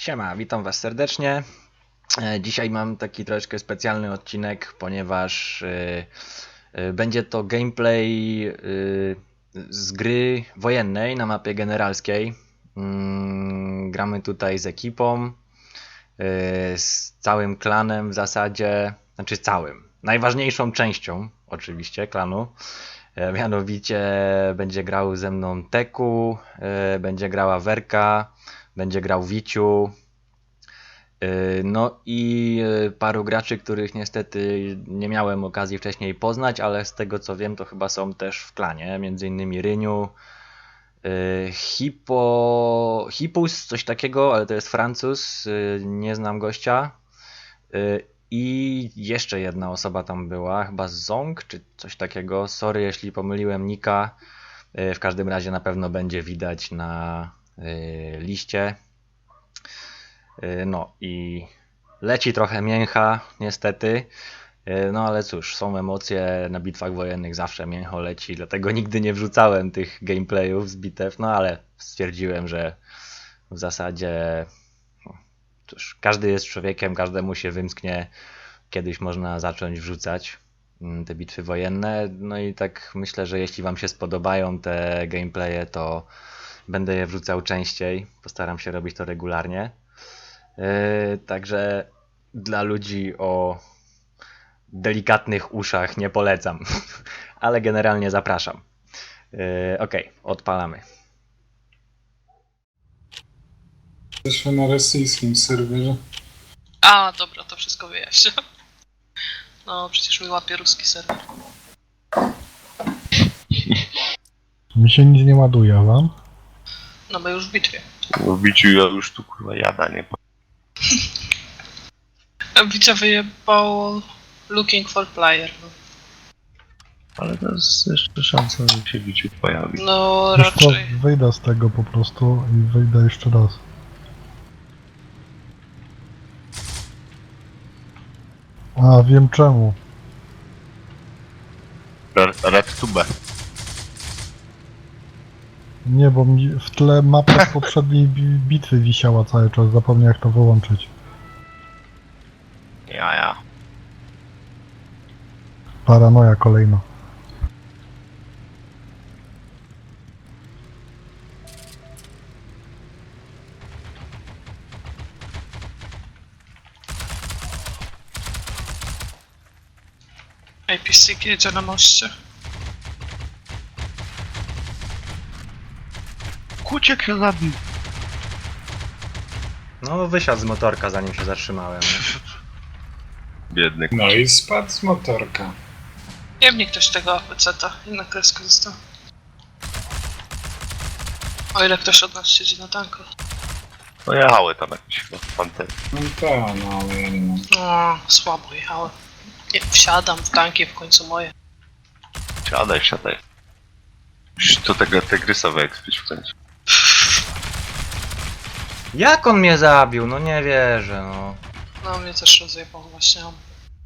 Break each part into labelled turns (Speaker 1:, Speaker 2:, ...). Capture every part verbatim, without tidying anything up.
Speaker 1: Siema, witam was serdecznie. E, Dzisiaj mam taki troszeczkę specjalny odcinek, ponieważ e, e, będzie to gameplay e, z gry wojennej na mapie generalskiej. Mm, Gramy tutaj z ekipą, e, z całym klanem w zasadzie, znaczy całym, najważniejszą częścią oczywiście klanu. E, Mianowicie będzie grał ze mną Teku, e, będzie grała Werka, będzie grał Wiciu, yy, no i yy, paru graczy, których niestety nie miałem okazji wcześniej poznać, ale z tego co wiem, to chyba są też w klanie, między innymi Ryniu, yy, Hippo, Hippus, coś takiego, ale to jest Francuz, yy, nie znam gościa. Yy, I jeszcze jedna osoba tam była, chyba Zong czy coś takiego. Sorry, jeśli pomyliłem nika. Yy, w każdym razie na pewno będzie widać na yy, liście. Yy, No i leci trochę mięcha, niestety. Yy, No ale cóż, są emocje, na bitwach wojennych zawsze mięcho leci, dlatego nigdy nie wrzucałem tych gameplayów z bitew, no ale stwierdziłem, że w zasadzie no, cóż, każdy jest człowiekiem, każdemu się wymsknie, kiedyś można zacząć wrzucać mm, te bitwy wojenne. No i tak myślę, że jeśli wam się spodobają te gameplaye, to będę je wrzucał częściej, postaram się robić to regularnie. Yy, także dla ludzi o delikatnych uszach nie polecam, ale generalnie zapraszam. Yy, ok, odpalamy.
Speaker 2: Jesteśmy na rosyjskim serwerze.
Speaker 3: A, dobra, to wszystko wyjaśnię. No, przecież mi łapie ruski serwer.
Speaker 4: Mi się nic nie ładuje, a wam?
Speaker 3: No, my już w bitwie.
Speaker 5: W biciu ja już tu kurwa jada, nie?
Speaker 3: Bicia wyjebało looking for player. No,
Speaker 5: Ale to jest jeszcze szansa, że się biciu pojawi.
Speaker 3: no
Speaker 4: Wiesz co,
Speaker 3: raczej.
Speaker 4: wyjdę z tego po prostu i wyjdę jeszcze raz. A, wiem czemu.
Speaker 5: Red tube.
Speaker 4: Nie, bo mi w tle mapa z poprzedniej bi- bitwy wisiała cały czas, zapomniałem jak to wyłączyć.
Speaker 5: Ja, ja.
Speaker 4: Paranoja kolejna.
Speaker 3: A P C jedzie na moście.
Speaker 5: Kuciek się zabił.
Speaker 1: No wysiadł z motorka zanim się zatrzymałem. Nie?
Speaker 5: Biedny.
Speaker 2: No i spadł z motorka.
Speaker 3: Nie mnie ktoś tego A P C-ta i na kreskę został. O ile ktoś od nas siedzi na tanku.
Speaker 5: No jechały tam jakieś chyba pantery.
Speaker 2: No tak, no ale ja nie mam.
Speaker 3: No, słabo jechałem. Nie, wsiadam w tanki, w końcu moje.
Speaker 5: Siadaj, siadaj. Musisz do tego tygrysa wyekspić w końcu.
Speaker 1: Jak on mnie zabił? No nie wierzę, no.
Speaker 3: No, mnie też rozjebał właśnie on.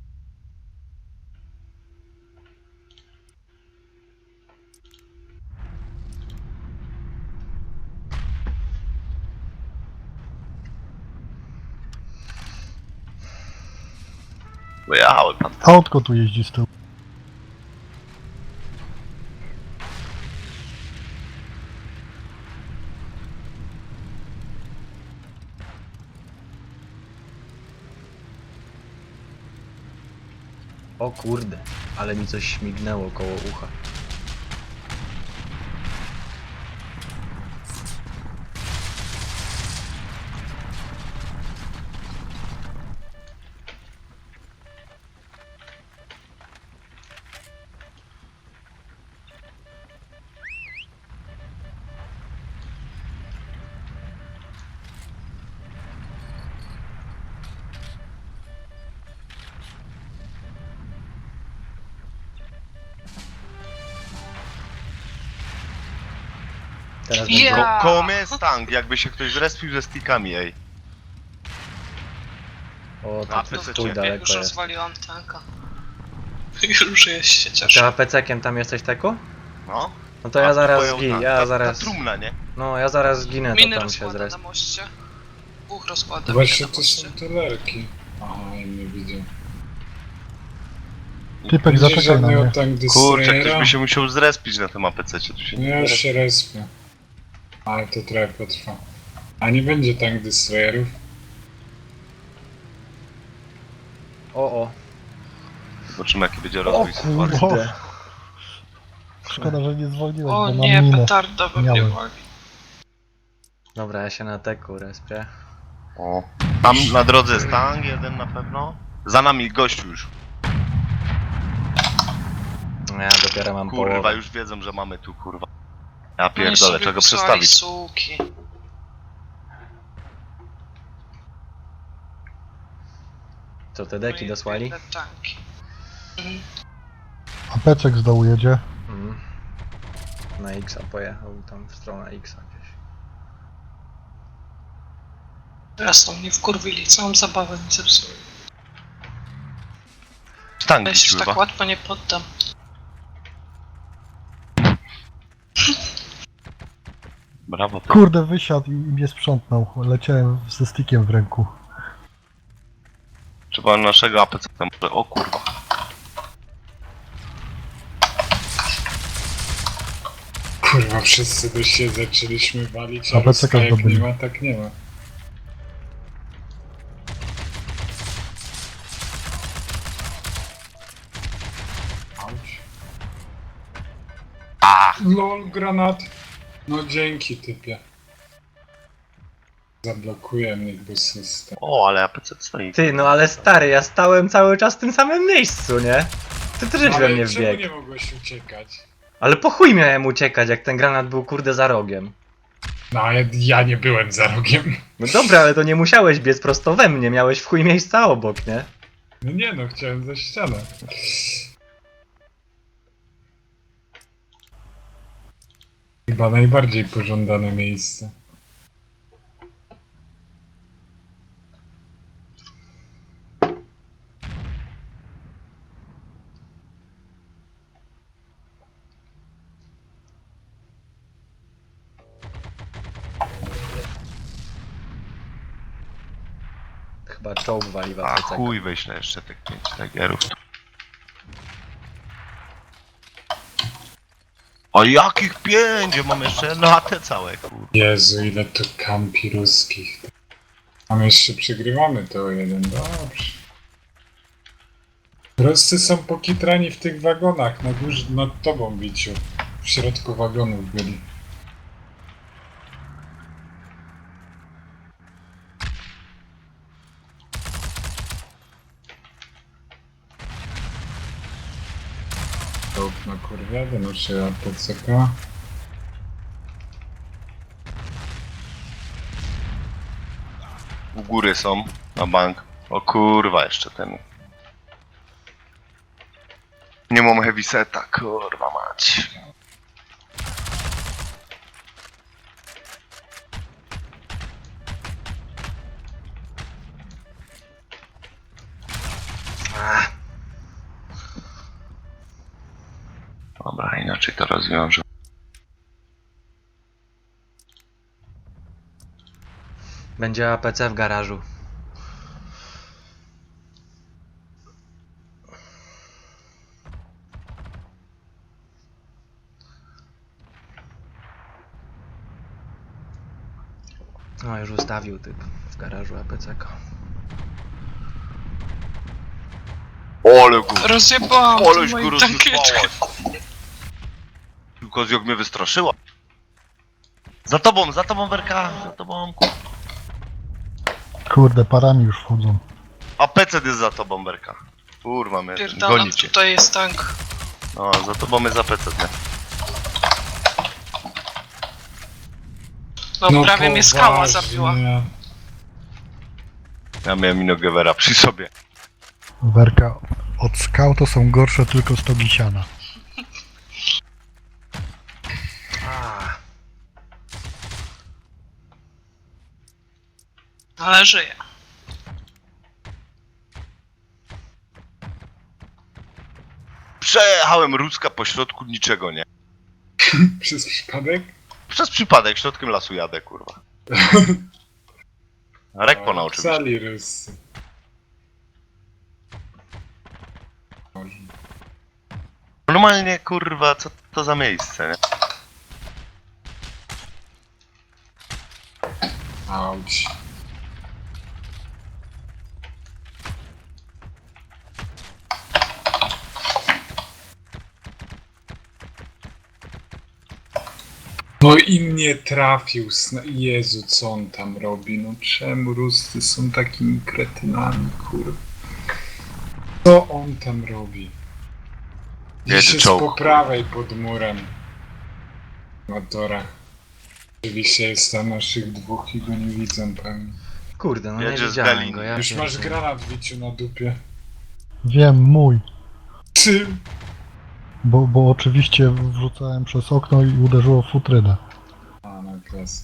Speaker 5: Bo jechały pan.
Speaker 4: Autko tu jeździ z tyłu.
Speaker 1: O kurde, ale mi coś śmignęło koło ucha. Teraz będzie...
Speaker 3: Ja.
Speaker 5: Ko koło mnie jest tank, jakby się ktoś zrespił ze stickami, ej.
Speaker 1: O,
Speaker 5: A,
Speaker 1: tak
Speaker 5: ty
Speaker 1: stój
Speaker 5: co,
Speaker 3: Jak
Speaker 1: daleko
Speaker 3: już
Speaker 1: jest.
Speaker 3: rozwaliłam tanka. Już jest się
Speaker 1: A
Speaker 3: cieszę.
Speaker 1: ty A P C-kiem tam jesteś, Teku?
Speaker 5: No.
Speaker 1: No to ja
Speaker 5: A
Speaker 1: zaraz
Speaker 5: twoją
Speaker 1: zginę,
Speaker 5: ta-
Speaker 1: ja
Speaker 5: ta-
Speaker 1: zaraz...
Speaker 5: Ta trumna, nie?
Speaker 1: No ja zaraz zginę, to
Speaker 3: Miny
Speaker 1: tam się
Speaker 3: rozkłada
Speaker 1: zres...
Speaker 3: na moście. Dwóch rozkładach.
Speaker 2: Właśnie
Speaker 3: na
Speaker 2: to
Speaker 3: moście.
Speaker 2: są te lerki. Aha, inny widzę.
Speaker 4: Typek,
Speaker 2: Będzie
Speaker 4: zaczekaj na
Speaker 2: żadnego
Speaker 4: mnie.
Speaker 2: tank
Speaker 5: Kurczę,
Speaker 2: destroyera.
Speaker 5: ktoś by się musiał zrespić na tym A P C-cie, tu się
Speaker 2: No
Speaker 5: nie
Speaker 2: ja
Speaker 5: da.
Speaker 2: już się respię. Ale to trochę potrwa. A nie będzie tank destroyerów?
Speaker 1: O, o.
Speaker 5: Zobaczymy jaki będzie
Speaker 1: O
Speaker 5: rozwój sytuacji.
Speaker 1: kurde.
Speaker 4: Szkoda, że nie zwolniłeś,
Speaker 3: O
Speaker 4: bo
Speaker 3: nie,
Speaker 4: mam minę.
Speaker 3: petarda we mnie
Speaker 4: Miałem.
Speaker 3: wali.
Speaker 1: Dobra, ja się na teku respię.
Speaker 5: O. Tam na drodze jest tank jeden na pewno. Za nami gościu już.
Speaker 1: No ja dopiero mam
Speaker 5: Kurwa,
Speaker 1: połowę.
Speaker 5: już wiedzą, że mamy tu kurwa. Ja
Speaker 3: Oni
Speaker 5: pierdolę,
Speaker 3: sobie
Speaker 5: trzeba go
Speaker 3: wysłali
Speaker 5: przestawić.
Speaker 3: suki.
Speaker 1: Co, te deki
Speaker 3: No i
Speaker 1: dosłali?
Speaker 3: biedne tanki. Mhm.
Speaker 4: A Peczek z dołu jedzie.
Speaker 1: Mhm. Na X pojechał, tam w stronę X gdzieś.
Speaker 3: Teraz to mnie wkurwili, całą zabawę mi zepsuli.
Speaker 5: Tank
Speaker 3: Ja
Speaker 5: gdzieś
Speaker 3: się tak
Speaker 5: chyba.
Speaker 3: łatwo nie poddam.
Speaker 5: Brawo. to.
Speaker 4: Kurde, wysiadł i mnie sprzątnął. Leciałem ze stickiem w ręku.
Speaker 5: Trzeba naszego A P C tam. O kurwa.
Speaker 2: Kurwa, wszyscy do siebie zaczęliśmy walić,
Speaker 4: A
Speaker 2: ale
Speaker 4: B C K
Speaker 2: jak nie
Speaker 4: zdobyli.
Speaker 2: ma, tak nie ma. Auć.
Speaker 5: A,
Speaker 2: LOL, granat. No dzięki, typie. Zablokuje mnie bo system.
Speaker 5: o, ale A P C stoi.
Speaker 1: Ty, no ale stary, ja stałem cały czas w tym samym miejscu, nie? Ty też we mnie
Speaker 2: Ale czemu
Speaker 1: wbiegł.
Speaker 2: nie mogłeś uciekać?
Speaker 1: Ale po chuj miałem uciekać, jak ten granat był kurde za rogiem.
Speaker 2: No ale ja nie byłem za rogiem.
Speaker 1: No dobra, ale to nie musiałeś biec prosto we mnie, miałeś w chuj miejsca obok, nie?
Speaker 2: No nie no, chciałem za ścianę. Chyba najbardziej pożądane miejsce.
Speaker 1: Chyba czołg wali w
Speaker 5: A
Speaker 1: A P C.
Speaker 5: chuj, wyślę jeszcze tych pięć tagerów. O jakich pięć? Ja mam jeszcze na te całe kurwa.
Speaker 2: Jezu, ile tu kampi ruskich. A my jeszcze przegrywamy to o jeden, dobrze. Ruscy są pokitrani w tych wagonach, na górze, nad tobą biciu. W środku wagonów byli. Czołg na kurwiadę, noszę A P C K.
Speaker 5: U góry są, na bank. O kurwa, jeszcze ten. Nie mam heavy seta, kurwa mać.
Speaker 1: Ach,
Speaker 5: Dobra, inaczej to rozwiążę.
Speaker 1: będzie A P C w garażu. No już ustawił typ w garażu A P C K.
Speaker 5: Ole go,
Speaker 3: Rozjebałam
Speaker 5: oleś
Speaker 3: tą
Speaker 5: go
Speaker 3: moją tankietkę.
Speaker 5: rozsypałaś. Tylko jak mnie wystraszyła. Za tobą, za tobą Werka, za tobą.
Speaker 4: Kurde, parami już wchodzą.
Speaker 5: A P C jest za tobą Werka. Kurwa, mnie
Speaker 3: Pierdalam,
Speaker 5: goni cię.
Speaker 3: tutaj jest tank.
Speaker 5: No, za tobą jest za P C, nie?
Speaker 3: No, prawie mnie skała zabiła.
Speaker 5: Ja miałem Inogewera przy sobie.
Speaker 4: Werka, od skał to są gorsze tylko stogi siana.
Speaker 1: A,
Speaker 3: Ale żyje.
Speaker 5: Przejechałem Ruska po środku niczego, nie?
Speaker 2: Przez przypadek?
Speaker 5: Przez przypadek środkiem lasu jadę, kurwa. Rekpo na oczywiście.
Speaker 2: Sali Rusy. Boże.
Speaker 5: Normalnie, kurwa, co to za miejsce, nie?
Speaker 2: Auć. No i mnie trafił. sna- Jezu, co on tam robi? No czemu Ruscy są takimi kretynami, kurwa? Co on tam robi?
Speaker 5: Jedzie
Speaker 2: Gdzieś jest
Speaker 5: czołg.
Speaker 2: po prawej pod murem. Motora. Oczywiście jest tam naszych dwóch i go nie widzą pewnie.
Speaker 1: Kurde, no nie
Speaker 5: Jedzie z
Speaker 1: widziałem
Speaker 5: Galiny.
Speaker 1: go. Ja
Speaker 2: Już masz
Speaker 1: pierdolę.
Speaker 2: granat Wiciu na dupie.
Speaker 4: Wiem, mój.
Speaker 2: Czym?
Speaker 4: Bo, bo oczywiście wrzucałem przez okno i uderzyło w futrynę.
Speaker 2: A, na klasy.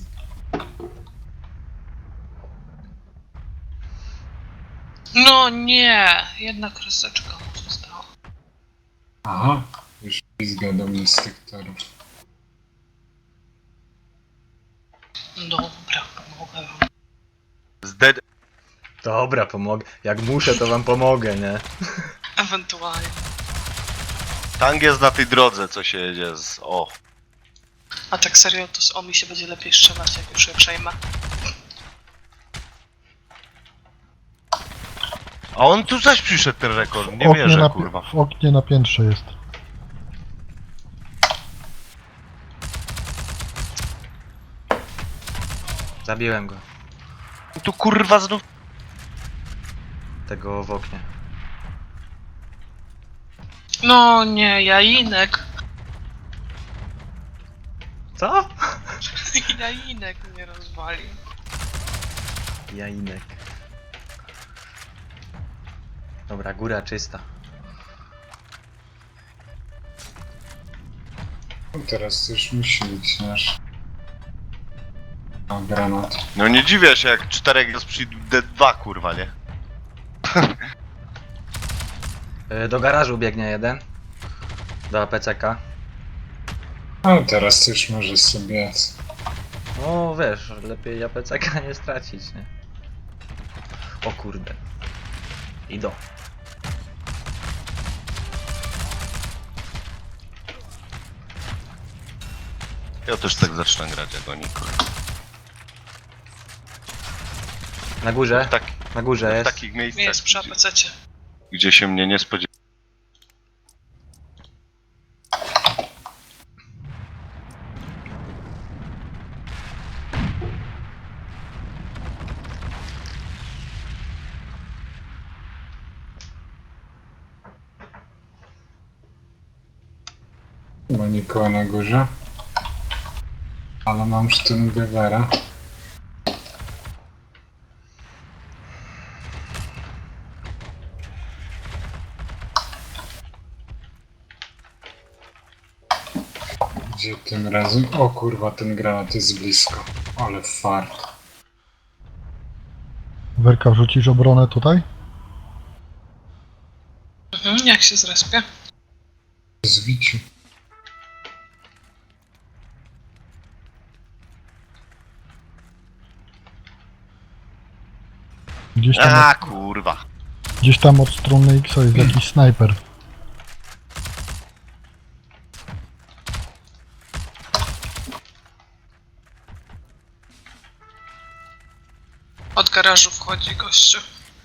Speaker 3: No nie, jedna kreseczka mu została.
Speaker 2: Aha, już pizga do mnie z tych torów.
Speaker 3: Dobra, pomogę wam.
Speaker 5: Z dead...
Speaker 1: Dobra, pomogę. Jak muszę, to wam pomogę, nie?
Speaker 3: Ewentualnie.
Speaker 5: Tang jest na tej drodze, co się jedzie z... O.
Speaker 3: A tak serio, to z Omi się będzie lepiej strzelać, jak już je przejmę.
Speaker 5: A on tu zaś przyszedł ten rekord,
Speaker 4: W
Speaker 5: nie
Speaker 4: oknie
Speaker 5: wierzę,
Speaker 4: na,
Speaker 5: kurwa.
Speaker 4: w oknie na piętrze jest.
Speaker 1: Zabiłem go.
Speaker 5: Tu kurwa znów...
Speaker 1: Tego w oknie.
Speaker 3: No nie, jainek.
Speaker 1: Co?
Speaker 3: Jainek mnie rozwalił.
Speaker 1: Jainek. Dobra, góra czysta.
Speaker 2: No teraz to już musi być nasz. O, granat.
Speaker 5: No nie dziwię się, jak czterech jest przy D dwa, kurwa, nie?
Speaker 1: Y, Do garażu biegnie jeden. Do A P C K.
Speaker 2: No teraz to już może sobie...
Speaker 1: No wiesz, lepiej A P C K nie stracić, nie? O kurde. Idą.
Speaker 5: Ja też tak zacznę grać jak oni, kurwa.
Speaker 1: Na górze,
Speaker 5: W, tak,
Speaker 1: na górze
Speaker 5: w
Speaker 1: jest.
Speaker 5: takich miejscach,
Speaker 3: Jest przy
Speaker 5: gdzie,
Speaker 3: apececie.
Speaker 5: gdzie się mnie nie spodziewa.
Speaker 2: Chyba nikogo na górze. Ale mam Sturmgewera. Gdzie tym razem? O kurwa, ten granat jest blisko. Ale fart.
Speaker 4: Werka, wrzucisz obronę tutaj?
Speaker 3: Mhm, jak się zrespię?
Speaker 2: Zwiciu.
Speaker 4: Gdzieś tam,
Speaker 5: A kurwa.
Speaker 4: gdzieś tam od strony X jest jakiś snajper.
Speaker 3: Od garażu wchodzi gościu.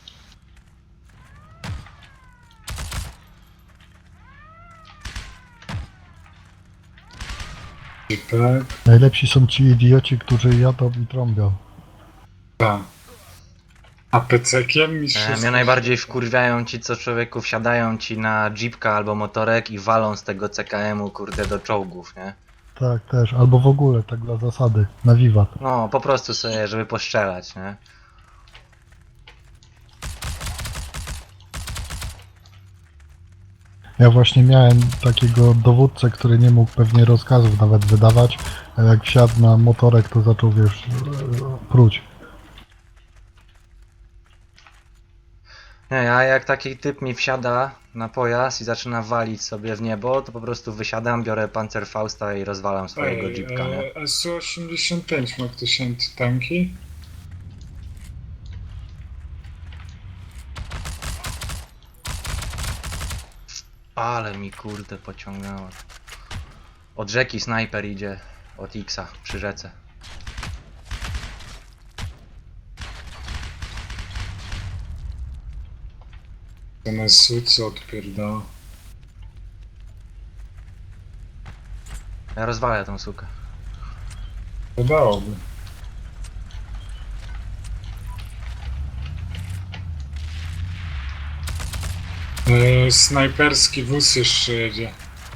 Speaker 2: Cipek.
Speaker 4: Najlepsi są ci idioci, którzy jadą i trąbią.
Speaker 2: Tak. A pecekiem mi
Speaker 1: E,
Speaker 2: się...
Speaker 1: mnie najbardziej wkurwiają ci, co człowieku wsiadają ci na jeepka albo motorek i walą z tego C K M-u, kurde, do czołgów, nie?
Speaker 4: Tak, też. Albo w ogóle, tak dla zasady. Na wiwat.
Speaker 1: No, po prostu sobie, żeby postrzelać, nie?
Speaker 4: Ja właśnie miałem takiego dowódcę, który nie mógł pewnie rozkazów nawet wydawać, a jak wsiadł na motorek, to zaczął, wiesz, pruć.
Speaker 1: Nie, a jak taki typ mi wsiada na pojazd i zaczyna walić sobie w niebo, to po prostu wysiadam, biorę Panzerfausta i rozwalam swojego
Speaker 2: Ej, e,
Speaker 1: no, jeepka, nie?
Speaker 2: S U osiemdziesiąt pięć ma ktoś antytanki?
Speaker 1: Ale mi kurde pociągnęło. Od rzeki snajper idzie. Od X-a przy rzece.
Speaker 2: To na suce odpierdala.
Speaker 1: Ja rozwalę tą sukę.
Speaker 2: Wydałoby. Eee, snajperski wóz jeszcze jedzie.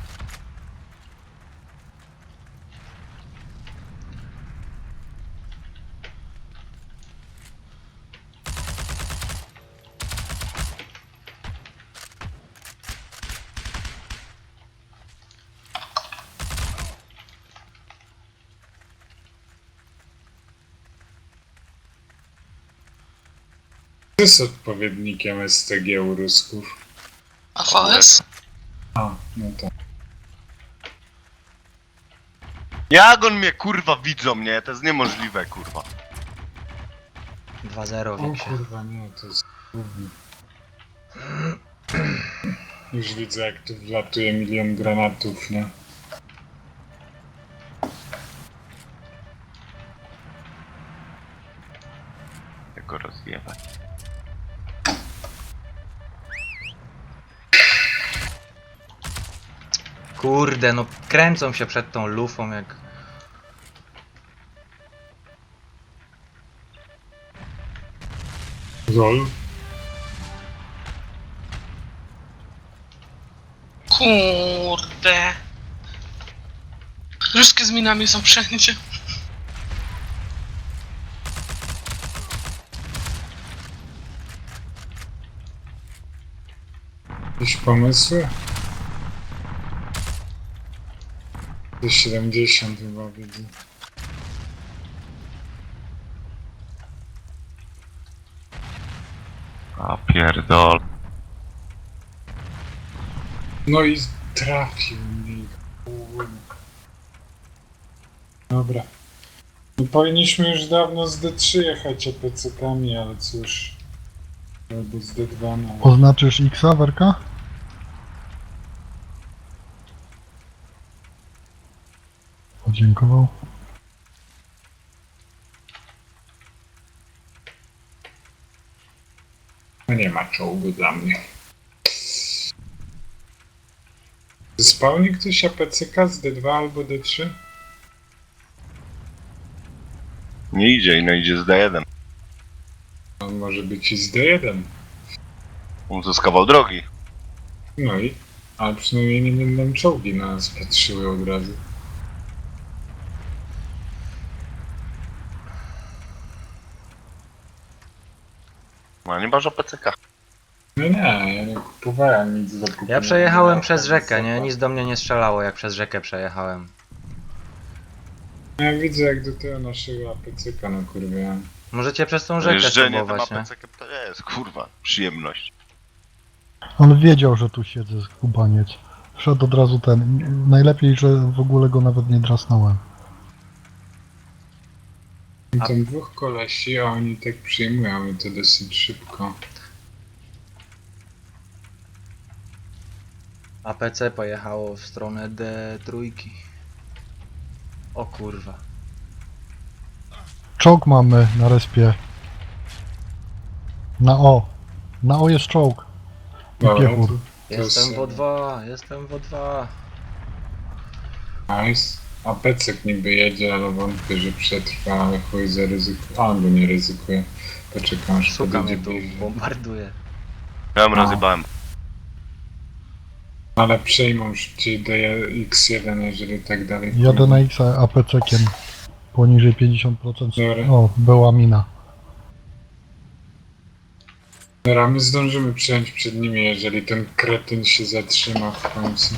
Speaker 2: Co jest odpowiednikiem S T G u Rusków?
Speaker 3: A V S?
Speaker 2: A, no to.
Speaker 5: Jak on mnie kurwa widzą mnie? To jest niemożliwe kurwa.
Speaker 1: dwa zero
Speaker 2: O
Speaker 1: Wiksie.
Speaker 2: kurwa, nie, to jest gówno. Już widzę, jak tu wlatuje milion granatów, nie?
Speaker 5: Jak go rozjebać.
Speaker 1: Kurde, no kręcą się przed tą lufą jak...
Speaker 2: Lol.
Speaker 3: Kurde. Ruskie z minami są wszędzie.
Speaker 2: Jakieś pomysły? Do siedemdziesiąt chyba widzę.
Speaker 5: A pierdol.
Speaker 2: No i trafił mnie. Kurwa. Dobra. No powinniśmy już dawno z D trzy jechać A P C kami, ale cóż. Albo z D dwa, no.
Speaker 4: Oznaczysz X-a, Werka? Podziękował.
Speaker 2: No nie ma czołgu dla mnie. Spełni ktoś A P C K z D dwa albo D trzy?
Speaker 5: Nie idzie, no idzie z D jeden.
Speaker 2: On może być i z D jeden.
Speaker 5: On zyskawał drogi.
Speaker 2: No i? Ale przynajmniej nie będą czołgi na nas patrzyły od razu.
Speaker 5: No nie masz O P C K.
Speaker 2: No nie, ja nie kupowałem nic do kupienia.
Speaker 1: Ja przejechałem
Speaker 2: Nie,
Speaker 1: przez
Speaker 2: tak
Speaker 1: rzekę, nie?
Speaker 2: wysoko.
Speaker 1: Nic do mnie nie strzelało jak przez rzekę przejechałem.
Speaker 2: Ja widzę jak do tego naszego A P C K no kurwa.
Speaker 1: Możecie przez tą rzekę
Speaker 5: Jeżdżenie tym
Speaker 1: spróbować,
Speaker 5: A
Speaker 1: nie?
Speaker 5: P C K to jest kurwa przyjemność.
Speaker 4: On wiedział, że tu siedzę, skubaniec. Wszedł od razu ten. Najlepiej, że w ogóle go nawet nie drasnąłem.
Speaker 2: I tam dwóch kolesi, a oni tak przyjmują i to dosyć szybko.
Speaker 1: A P C pojechało w stronę D trzy. O kurwa.
Speaker 4: Czołg mamy na respie. Na O. Na O jest czołg. I
Speaker 2: Dobra,
Speaker 4: piechur.
Speaker 2: to
Speaker 1: Jestem
Speaker 2: jest,
Speaker 1: w O dwa, jestem w O dwa.
Speaker 2: nice. A P C K niby jedzie, ale wątpię, że przetrwa, ale chuj zaryzykuje. Albo nie ryzykuje. Poczekam aż
Speaker 1: Suka mnie
Speaker 2: podejdzie
Speaker 1: tu
Speaker 2: bliżej.
Speaker 1: bombarduje.
Speaker 5: Ja ją
Speaker 2: No.
Speaker 5: rozjebałem.
Speaker 2: Ale przejmą szybciej D X jeden, jeżeli tak dalej
Speaker 4: Jadę
Speaker 2: pójdzie.
Speaker 4: na X A P C-kiem. Poniżej pięćdziesiąt procent.
Speaker 2: Dobra.
Speaker 4: O, była mina.
Speaker 2: Dobra, my zdążymy przejąć przed nimi, jeżeli ten kretyn się zatrzyma w końcu.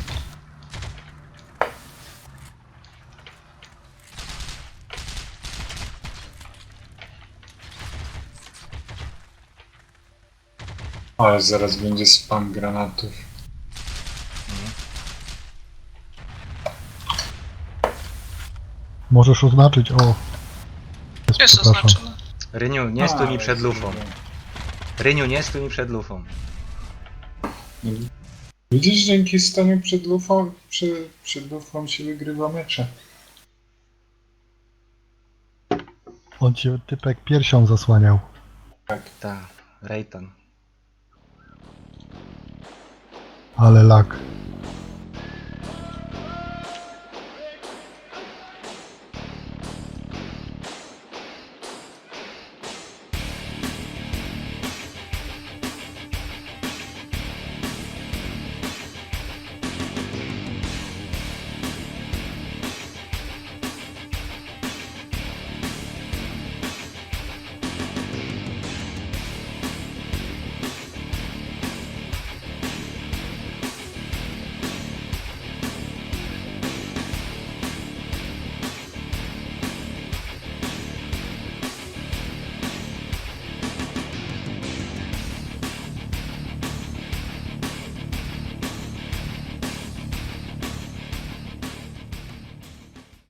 Speaker 2: Ale zaraz będzie spam granatów.
Speaker 4: Możesz oznaczyć O. Jest,
Speaker 3: Jest
Speaker 4: przepraszam.
Speaker 3: oznaczone.
Speaker 1: Ryniu, nie stój mi
Speaker 2: Ale
Speaker 1: przed lufą.
Speaker 2: kurde.
Speaker 1: Ryniu, nie stój mi przed lufą.
Speaker 2: Widzisz, dzięki staniu przed lufą, przy, przed lufą się wygrywa mecze.
Speaker 4: On cię typek piersią zasłaniał.
Speaker 1: Ta, Rejtan.
Speaker 4: Ale lak.